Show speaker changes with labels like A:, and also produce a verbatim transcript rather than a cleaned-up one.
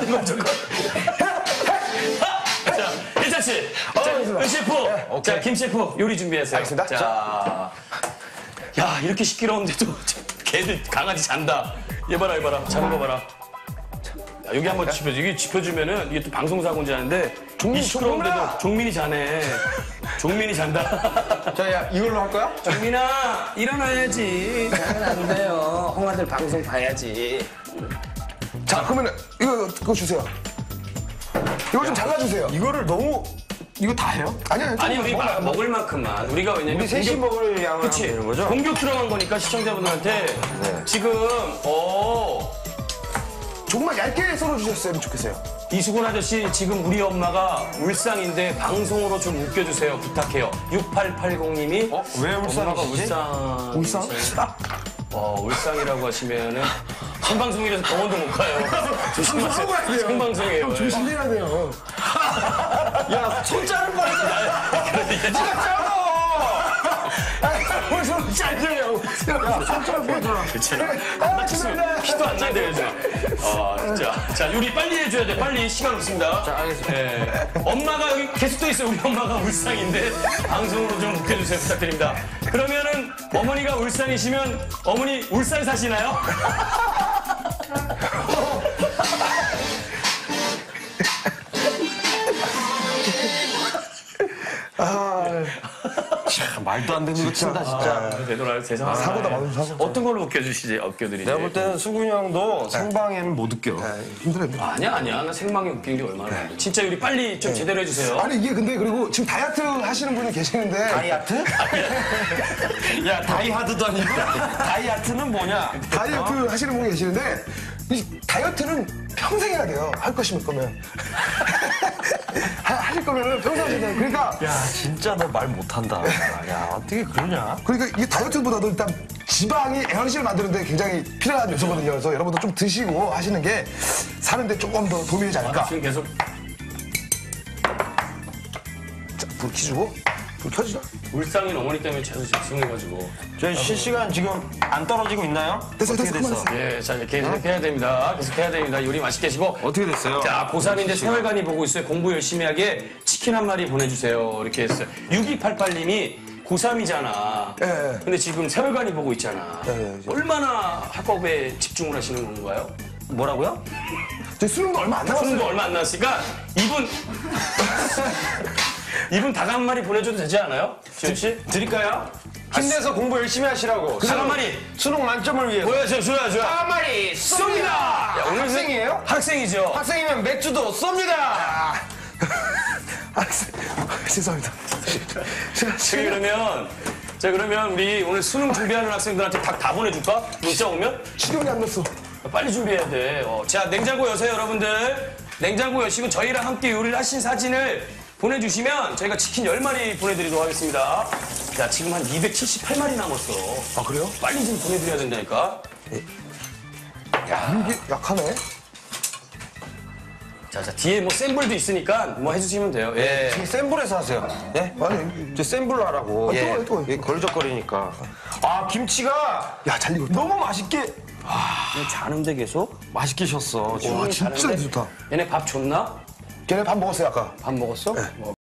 A: 하는 건 조금. 자, 일찬 씨. 자, 은 셰프.
B: 네,
A: 자, 김 셰프 요리 준비하세요.
B: 알겠습니다.
A: 자. 야, 이렇게 시끄러운데도 개들 강아지 잔다. 얘 봐라, 얘 봐라. 자는 거 봐라. 야, 여기 한번 짚어줘. 이게 짚어주면은 이게 또 방송사고인지 아는데 이 시끄러운데도 종민이 자네. 종민이 잔다.
B: 자, 야, 이걸로 할 거야?
A: 종민아, 일어나야지. 자면 안 돼요. 홍아들 방송 봐야지.
B: 자, 그러면 이거 그거 주세요. 이거 좀 잘라주세요.
C: 이거를 너무 이거 다 해요?
B: 아니요,
A: 아니, 우리 마- 먹을 만큼만. 우리가 왜냐면.
C: 우리 셋이 먹을 양을
A: 그치.
C: 하면 되는 거죠?
A: 공격 들어간 거니까 시청자분들한테 지금, 어
B: 조금만 얇게 썰어주셨으면 좋겠어요.
A: 이수근 아저씨, 지금 우리 엄마가 울상인데 방송으로 좀 웃겨주세요. 부탁해요. 육팔팔공님이.
C: 어? 왜
A: 엄마가
C: 울상이시지?
A: 울상.
B: 울상?
A: 어, 울상이라고 하시면은 생방송이라서 병원도 못 가요. 조심하세요.
B: 가야 돼요.
A: 생방송이에요. 예.
B: 조심해야 돼요.
C: 야, 손 자른 거니까.
A: 그러니까
B: 벌써 짧네요. 손가락 보여줘라.
A: 그치.
B: 아, 죄송합니다.
A: 피도 안 나대요, 요즘. 아, 진짜. 자, 요리 빨리 해줘야 돼. 빨리. 시간 없습니다.
C: 자, 알겠습니다.
A: 예. 엄마가 여기 계속 또 있어요. 우리 엄마가 울상인데 방송으로 좀 웃겨주세요. 부탁드립니다. 그러면은 어머니가 울상이시면 어머니 울산 사시나요?
C: 말도 안 되는 거 친다, 진짜.
A: 아, 되돌아요. 세상.
B: 사고다, 많은 사고.
A: 어떤 걸로 웃겨주시지? 웃겨드리지?
C: 내가 볼 때는 수근이 형도 생방에는 못 웃겨.
B: 힘들어요. 힘들어요.
A: 아니야, 아니야. 나 생방에 웃긴 게 얼마나 많은데. 진짜 요리 빨리 좀 제대로 해주세요.
B: 아니, 이게 근데 그리고 지금 다이어트 하시는 분이 계시는데.
C: 다이아트? 야, 다이하드도 아니고. 다이아트는 뭐냐?
B: 다이어트 하시는 분이 계시는데 이 다이어트는 평생 해야 돼요. 할 거시면 거면. 하- 하실 거면은 평생 하셔야 돼요. 그러니까
C: 야, 진짜 너 말 못한다. 야, 어떻게 그러냐?
B: 그러니까 이게 다이어트보다도 일단 지방이 에너지를 만드는데 굉장히 필요한 요소거든요. 그래서 여러분도 좀 드시고 하시는 게 사는데 조금 더 도움이 되지 않을까.
A: 지금 계속
B: 자, 불 켜주고 불 켜주죠.
A: 울상인 어머니 때문에 계속 집중해가지고.
C: 저희 실시간 지금 안 떨어지고 있나요?
B: 됐어,
C: 어떻게
B: 됐어,
C: 됐어?
B: 그만
A: 예, 자, 이제 계속 해야 됩니다. 계속 해야 됩니다. 요리 맛있게 하시고.
C: 어떻게 됐어요?
A: 자, 고삼인데 세월간이 보고 있어요. 공부 열심히 하게 치킨 한 마리 보내주세요. 이렇게 했어요. 육이팔팔님이 고삼이잖아.
B: 예, 예.
A: 근데 지금 세월간이 보고 있잖아.
B: 예, 예, 예.
A: 얼마나 학업에 집중을 하시는 건가요?
C: 뭐라고요?
B: 저 수능도 얼마 안 남았어요.
A: 수능도 얼마 안 남았으니까 이분 이분 닭 한 마리 보내줘도 되지 않아요? 지현 씨?
C: 드릴까요? 힘내서 공부 열심히 하시라고.
A: 닭 한 마리
C: 수능 만점을 위해서.
A: 뭐야, 저 줘야 줘야.
C: 한 마리 쏩니다!
A: 야, 오늘
C: 학생이에요?
A: 학생이죠.
C: 학생이면 맥주도 쏩니다!
B: 아, 죄송합니다.
A: 자, 그러면 자 그러면 우리 오늘 수능 준비하는 학생들한테 닭 다 보내줄까? 문자 오면?
B: 식용이 안 났어.
A: 빨리 준비해야 돼. 어, 자, 냉장고 여세요, 여러분들. 냉장고 여시고 저희랑 함께 요리를 하신 사진을 보내주시면 저희가 치킨 열 마리 보내드리도록 하겠습니다. 자, 지금 한 이백칠십팔 마리 남았어.
B: 아, 그래요?
A: 빨리 좀 보내드려야 된다니까.
B: 이게 약하네.
A: 자, 자, 뒤에 뭐 센 불도 있으니까 뭐 해주시면 돼요. 예.
C: 센 불에서 하세요. 예?
B: 아니,
C: 저 센 불로 하라고.
B: 아, 뜨거워요, 뜨거워요.
C: 예, 걸적거리니까. 아, 김치가
B: 야, 잘 익었다.
C: 너무 맛있게,
A: 자는데 계속?
C: 맛있게 셨어.
B: 와, 진짜
A: 자는데?
B: 좋다.
A: 얘네 밥 줬나?
B: 걔네 밥 먹었어요, 아까.
A: 밥 먹었어? 뭐